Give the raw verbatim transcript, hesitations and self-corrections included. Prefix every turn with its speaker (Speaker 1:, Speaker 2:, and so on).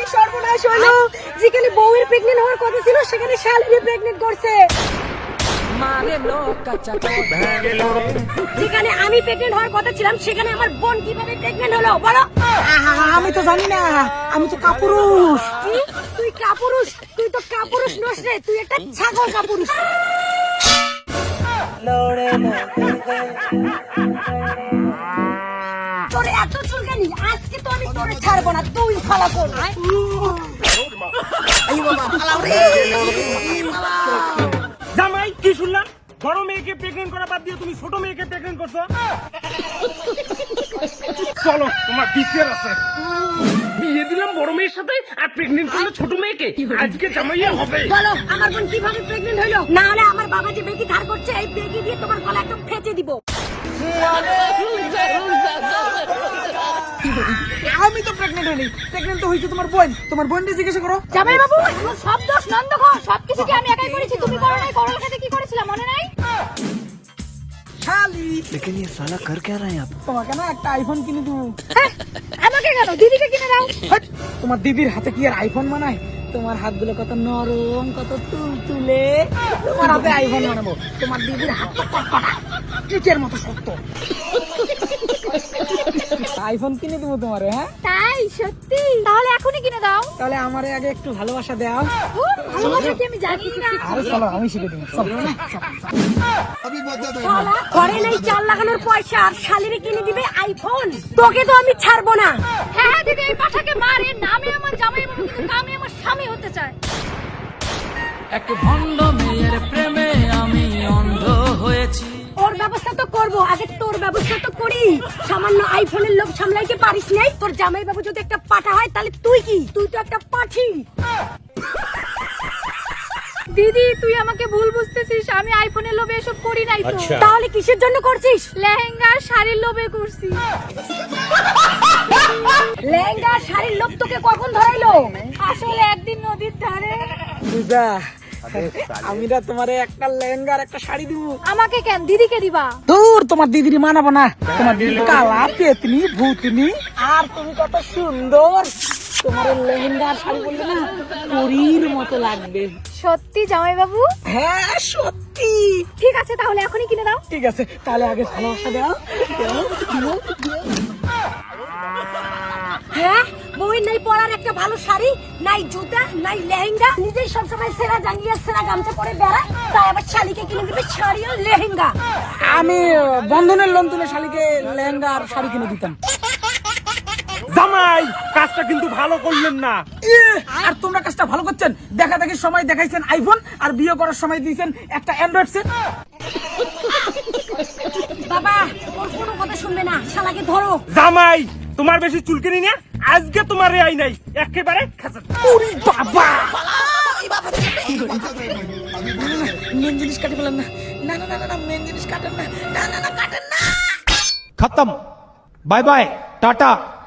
Speaker 1: কি সর্বনাশ হলো, যেখানে বউয়ের প্রেগনেন্ট হওয়ার কথা ছিল সেখানে শালিরে প্রেগনেন্ট করছে। যেখানে আমি প্রেগনেন্ট হওয়ার কথা ছিলাম সেখানে আমার বোন কিভাবে প্রেগনেন্ট হলো বলো?
Speaker 2: আমি তো জানি না, আমি তো কাপুরুষ।
Speaker 1: কি? তুই কাপুরুষ? তুই তো কাপুরুষ নস রে, তুই একটা ছাগল কাপুরুষ। তোর এত চুলকানি, আজকে তো আমি তোরে ছাড়বো না, তুই ফালা কর।
Speaker 3: জামাই কি শুনলাম, বড় মেয়েকে প্রেগনেন্ট করা বাদ দিয়ে তুমি ছোট মেয়েকে প্রেগনেন্ট করছো? চলো তোমার বিচার আছে। বিয়ে দিলাম বড় মেয়ের সাথে আর প্রেগনেন্ট করলে ছোট মেয়েকে, আজকে জামাইয়া হবে।
Speaker 1: বলো আমার বোন কিভাবে প্রেগনেন্ট হইলো? না হলে আমার বাবা যে বেগি ধার করছে এই বেগি দিয়ে তোমার গলা একদম ফেঁচে দিব।
Speaker 2: আমি তো প্রেগনেন্ট হইনি, প্রেগনেন্ট তো হয়েছে তোমার বোন। তোমার বোনকে জিজ্ঞাসা করো।
Speaker 1: জামাই বাবু, তোর সব দোষ নন্দ ঘর, সবকিছু কি আমি একাই করেছি? তুমি করো নাই? করোর সাথে কি করেছিলাম মনে নাই?
Speaker 2: শালি,
Speaker 4: लेकिन ये साला कर क्या रहा है आप?
Speaker 2: তোমাকে না একটা আইফোন কিনে দেবো।
Speaker 1: হ্যাঁ, আমাকে কেন, দিদিকে কিনে দাও।
Speaker 2: হাট, তোমার দিদির হাতে কি আর আইফোন বানায়? তোমার হাতগুলো কত নরম, কত তুলতুলে, তোমার হাতে আইফোন বানাবো। তোমার দিদির হাত তো কটকটা, ইটের মতো শক্ত। আইফোন কিনে দেবো তোমারে। হ্যাঁ,
Speaker 1: তাই? সত্যি? তাহলে এখনই কিনে দাও।
Speaker 2: তাহলে আমারে আগে একটু ভালোবাসা দাও।
Speaker 1: ও, ভালোবাসা কি আমি জানি না।
Speaker 2: আরে চলো, আমি শিখে দেবো। চলো, চলো, চলো।
Speaker 1: শালা, ঘরে নাই চাল লাগানোর পয়সা আর শালিরে কিনে দিবে আইফোন। তোকে তো আমি ছাড়বো না। হ্যাঁ হ্যাঁ দিদি, এই পাঠাকে মারে, নামে আমার জামাই বাবু কিন্তু কামে আমার স্বামী হতে চায়।
Speaker 4: এক ভণ্ড মেয়ের প্রেমে আমি অন্ধ হয়েছি।
Speaker 1: ওর ব্যবস্থা তো করবো, আগে তোর ব্যবস্থা তো করি। সামান্য আইফোনের লোভ সামলাইতে পারিস নাই? তোর জামাই বাবু যদি একটা পাঠা হয় তাহলে তুই কি? তুই তো একটা পাঠি। দিদি তুই আমাকে ভুল বুঝতেছিস, আমি আইফোনের লোভে এসব করি নাই তো। তাহলে কিসের জন্য করছিস? লেহেঙ্গা শাড়ির লোভে করছি। লেহেঙ্গা শাড়ির লোভ তোকে কখন ধরাইলো? আসলে একদিন নদীর ধারে।
Speaker 2: পূজা, আমি না তোমারে একটা লেহেঙ্গা আর একটা শাড়ি দিব।
Speaker 1: আমাকে কেন, দিদিকে দিবা?
Speaker 2: দূর, তোমার দিদির মানাবো না। তোমার দিদি কালা পেতনি ভূতনি, আর তুমি কত সুন্দর। তোমার এই লেহেঙ্গা আর শাড়ি বললে না পরীর মতো লাগবে।
Speaker 1: সত্যি জামাই বাবু?
Speaker 2: হ্যাঁ সত্যি।
Speaker 1: ঠিক আছে তাহলে এখনই কিনে দাও।
Speaker 2: ঠিক আছে, তাহলে আগে ভালোবাসা দাও। দাও, দাও, দাও।
Speaker 1: হ্যাঁ, বউয়ের নাই পরার একটা ভালো শাড়ি, নাই জুতা, নাই লেহেঙ্গা, নিজেই সবসময় সেরা জাঙ্গিয়া সেরা গামছা পরে বেড়ায়, তাই আবার শালিকে কিনে দিবে শাড়ি আর লেহেঙ্গা।
Speaker 2: আমি বন্ধনের লোন তুলে শালিকে লেহেঙ্গা আর শাড়ি কিনে দিতাম।
Speaker 3: জামাই কাজটা কিন্তু ভালো করলেন না।
Speaker 2: এ, আর তোমরা কাজটা ভালো করছেন। দেখা দেখি সময় দেখাইছেন আইফোন, আর বিয়ে করার সময় দিয়েছেন একটা অ্যান্ড্রয়েড সেট।
Speaker 1: বাবা ওর কোনো কথা শুনবে না, শালাকে ধরো।
Speaker 3: জামাই তোমার বেশি চুলকানি না, আজকে তোমার রেয়াই নাই, একেবারে খাঁচার।
Speaker 2: ওরে বাবা, মেন জিনিস কাটে ফেলেন না। না না না না, মেন জিনিস কাটেন না। না না না, কাটেন না।
Speaker 5: खत्म। Bye bye Tata.